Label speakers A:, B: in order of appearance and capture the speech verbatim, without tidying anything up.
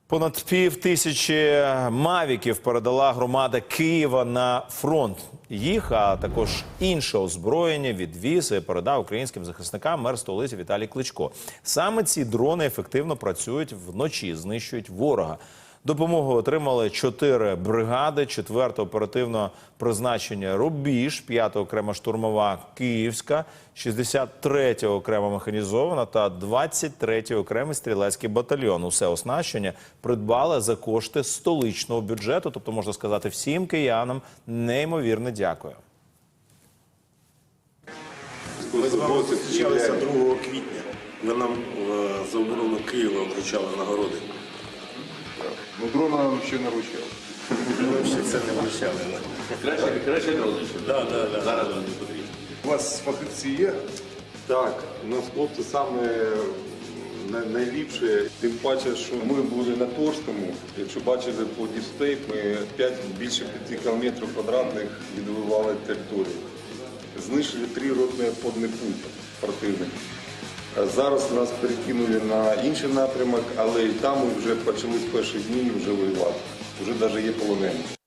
A: Понад пів тисячі мавіків передала громада Києва на фронт. Їх, а також інше озброєння відвіз і передав українським захисникам мер столиці Віталій Кличко. Саме ці дрони ефективно працюють вночі, знищують ворога. Допомогу отримали чотири бригади, четверте оперативного призначення «Рубіж», п'ята окрема штурмова «Київська», шістдесят третя окрема механізована та двадцять третій окремий стрілецький батальйон. Усе оснащення придбали за кошти столичного бюджету, тобто, можна сказати, всім киянам неймовірне дякую.
B: Ми з вами зустрічалися другого квітня. Ви нам за оборону Києва вручали нагороди.
C: Ну, дрона нам ще не вручали.
B: Ми ще це не вручали.
D: Краще, краще не робити.
B: Да, да, да.
D: Зараз вам не потрібно.
C: У вас фахівці є?
E: Так, у нас хлопці саме най- найліпше, тим паче, що ми були на Торському. Якщо бачили по діпстейп, ми п'ять, більше п'яти кілометрів квадратних відвоювали територію. Знищили три ротні обходні пункти противника. Зараз нас перекинули на інший напрямок, але і там ми вже почали з перших днів вже воювати. Вже навіть є полонені.